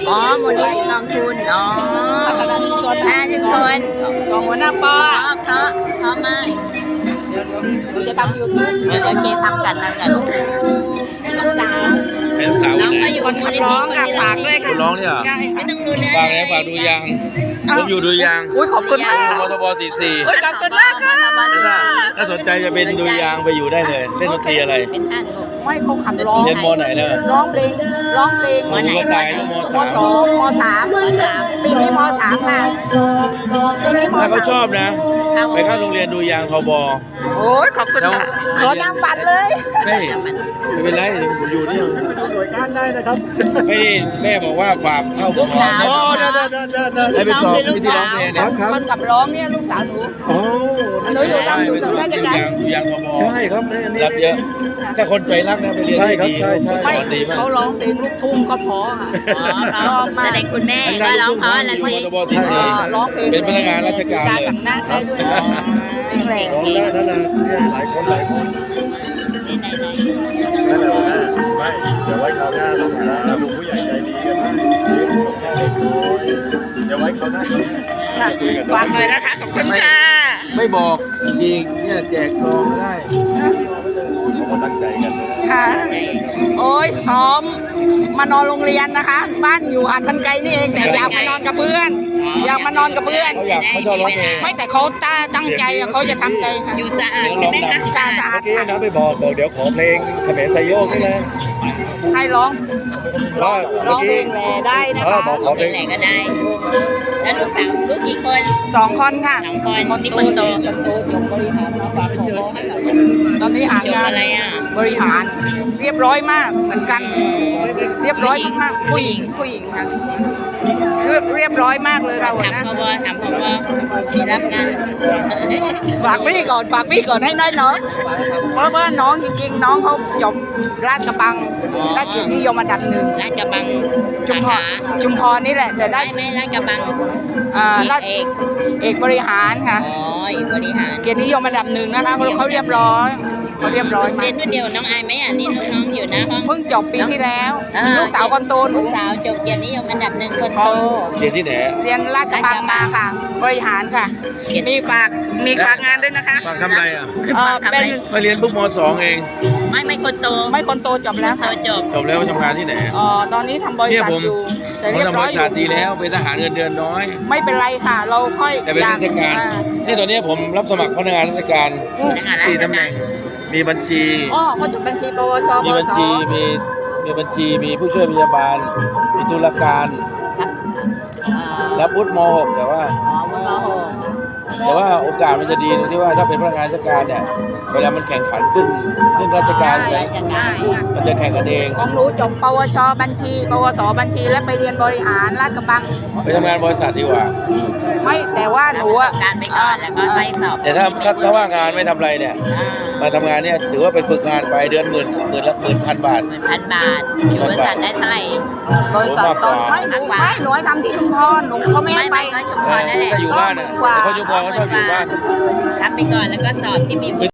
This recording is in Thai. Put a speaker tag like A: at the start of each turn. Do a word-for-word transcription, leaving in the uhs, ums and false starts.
A: อ๋อมูลนิธิกองทุนอ๋อพัฒนาชุมชนพัฒนาชุมชนของหัวหน้าปอเพราะเพราะมากเดี๋ยวจะทำยูทูบเดี๋ยวเกทำกันนะกันลูกน้องสาว
B: เป็นสาวน้อง
A: ก็อยู่มูลนิธิคนที่ฝากด้วยค่ะ
B: ร้องเนี่ย
A: ไม่ต้องดูนะ
B: ฝากแล้วฝากดูยังผมอยู่ดูยัง
A: อุ้ยขอบคุณมาก
B: มทบสี่สี่
A: ขอบคุณมากค่ะ
B: ถ้าสนใจจะเป็นดูยางไปอยู่ได้เลยเล่นดนตรีอะไร
A: เป็นท่านไม่เขาขับร้อง
B: เรียนมไหนเนี่ย
A: ร้องเพลงร้องเพลง
B: มไหนม
A: มสองมสามปีนี้มสามค่ะปีนี้มสาม
B: ถ้าเขาชอบนะไปเข้าโรงเรียนดูยางทบ
A: โอ้ยขอบคุณค่ะขอนำบัตรเลย
B: ไม่ไม่เป็นไรผมอยู่นี่
C: หน่วยงานได้นะครับ
B: ไม่ได้แม่บอกว่าฝากเข้าบุกสาว
C: อ๋อได้ได้ได้ได้
B: ได้ไปสอบวิธีร้องเพลงเนี่ย
A: คนกับร้องเนี่ยลูกสาวหนู
C: อ๋อ
A: หนูอยู่ตามอยู่ตรงราชการ
B: ดูยางทบ
C: ใช่ครับ
B: รับเยอะถ้าคนใจรักนะไปเรียนดี
C: ใช่ครับใช่ใช่
A: เขาร้องเพลงลูกทุ่งก็พอค่ะร้องมาแสดงคุณแม่ก็ร้องเพราะอะไรสิร้องเพลง
B: เป็นพนักงานราชการเลย
A: กับหน้าได้ด้วยเพลง
C: ร้องได้นั่นแหละหลายคนหลายคน
A: นี่ไหนไหน
C: นั่นแหละนะไม่เดี๋ยวไว้คราวหน้าต้องหาลุงผู้ใหญ่ใจดีกันนะเดี๋ยวไว้คราวหน้า
A: ฝากเลยนะคะขอบคุณค่ะ
B: ไม่บอกจริงๆเนี่ยแจกซองก็ได้
C: เขาก็ตั้งใจกัน
A: ค่ะโอ้ยซ้อมมานอนโรงเรียนนะคะบ้านอยู่หาดพันไกลนี่เองแต่อยากมานอนกับเพื่อนอยากมานอนกับเพื่อน
B: เขาอยากเขาชอบร้องเพลง
A: ไม่แต่เขาตั้งใจเขาจะทำใจค่ะอยู่สะอาดใช่ไหมคะสะอาด
C: เมื่อกี้นะไปบอกบอกเดี๋ยวขอเพลงเขมรไซโยกนี่นะ
A: ให้ร้องร้องเพลงแหล่ได้นะคะ
C: ขอเพลง
A: แหล่ก็ได้แล้วลูกสาวลูกกี่คน
D: สองคนค่ะ
A: สองคนคนที่คนโต
D: คนโตจบบริหารมาฝากของร้อง
A: ตอนนี้หางาน
D: อะไร
A: อ่ะบริหารเรียบร้อยมากเหมือนกันเรียบร้อยมากผู้หญิงผู้หญิงค่ะเรียบร้อยมากเลยเราอะนะ
D: ทำพอทำพอมีรับงาน
A: ฝากพี่ก่อนฝากพี่ก่อนให้น้อยน้องเพราะว่าน้องจริงๆน้องเขาจบราชกระบังได้เกียรตินิยมอันดับหนึ่ง
D: ราชกระบัง
A: ชุมพรชุมพรนี่แหละแต่ได้
D: ไม่ราชกระบัง
A: อ่าราชเอกเอกบริหารค่ะ
D: อ๋อเอกบริหาร
A: เกียรตินิยมอันดับหนึ่งนะคะเขาเรียบร้อยเขาเรียบร้อยมาก
D: เรียนรุ่นเดียวน้องอายไหมอ่ะนี่ลูกน้องอยู่นะห้อง
A: เพิ่งจบปีที่แล้วลูกสาวคนโต
D: ลูกสาวจบเกียรตินิยมอันดับหนึ่งคนโต
B: เรียนที่ไหน
A: เรียนราชกระบังมาค่ะบริหารค่ะมีฝากมีฝากงานด้วยนะคะ
B: ฝากทำอะไรอ่ะ
A: เป็น
B: มาเรียนปุ๊บมสองเอง
D: ไม่ไม่คนโต
A: ไม่คนโตจบแล้ว
D: โตจบ
B: จบแล้วทำงานที่ไหน
A: อ๋อตอนนี้ทำบริษัทอยู่
B: แต่เรียบร้อยอยู่ทำบริษัทดีแล้วเป็นทหารเงินเดือนน้อย
A: ไม่เป็นไรค่ะเราค่อย
B: แต่เป็นราชการนี่ตอนนี้ผมรับสมัครพนักงานราชการสี่ตำแหน่งมีบัญชี
A: อ๋อเขาจบบัญชีปวช
B: มีบัญชีมีมีบัญชีมีผู้ช่วยพยาบาลมีตุลาการรับวุฒิม หกแต่ว่าแต่ว่าโอกาสมันจะดีตรงที่ว่าถ้าเป็นพนักงานราชการเนี่ยเวลามันแข่งขันขึ้นขึ้นราชการเลยมันจะแข่งกันเอง
A: ของหนูจบปวชบัญชีปวสบัญชีและไปเรียนบริหารลาดกระบัง
B: ไปทำงานบริษัทดีกว่า
A: ไม่แต่ว่าหนูอ่ะ
D: การไปก่อนแล้วก็ไปสอบ
B: แต่ถ้าถ้าว่างานไม่ทำอะไรเนี่ยมาทำงานเนี่ยถือว่าเป็นฝึกงานไปเดือนหมื่นหมื่นละหมื่นพันบาท
D: หมื่นพันบาทอยู่บริษัทได้เท่าไหร่
A: บริษัทตอนไม่หนูไม่หนูทำที่ชุมพรหนูเขาไม่ให้ไป
D: ก็ชุมพรนั่นแหละ
B: ถ้าอยู่บ้านเนี่ยเขาชุมพรเขาชอบอยู่บ้าน
D: ทำไปก่อนแล้วก็สอบที่มี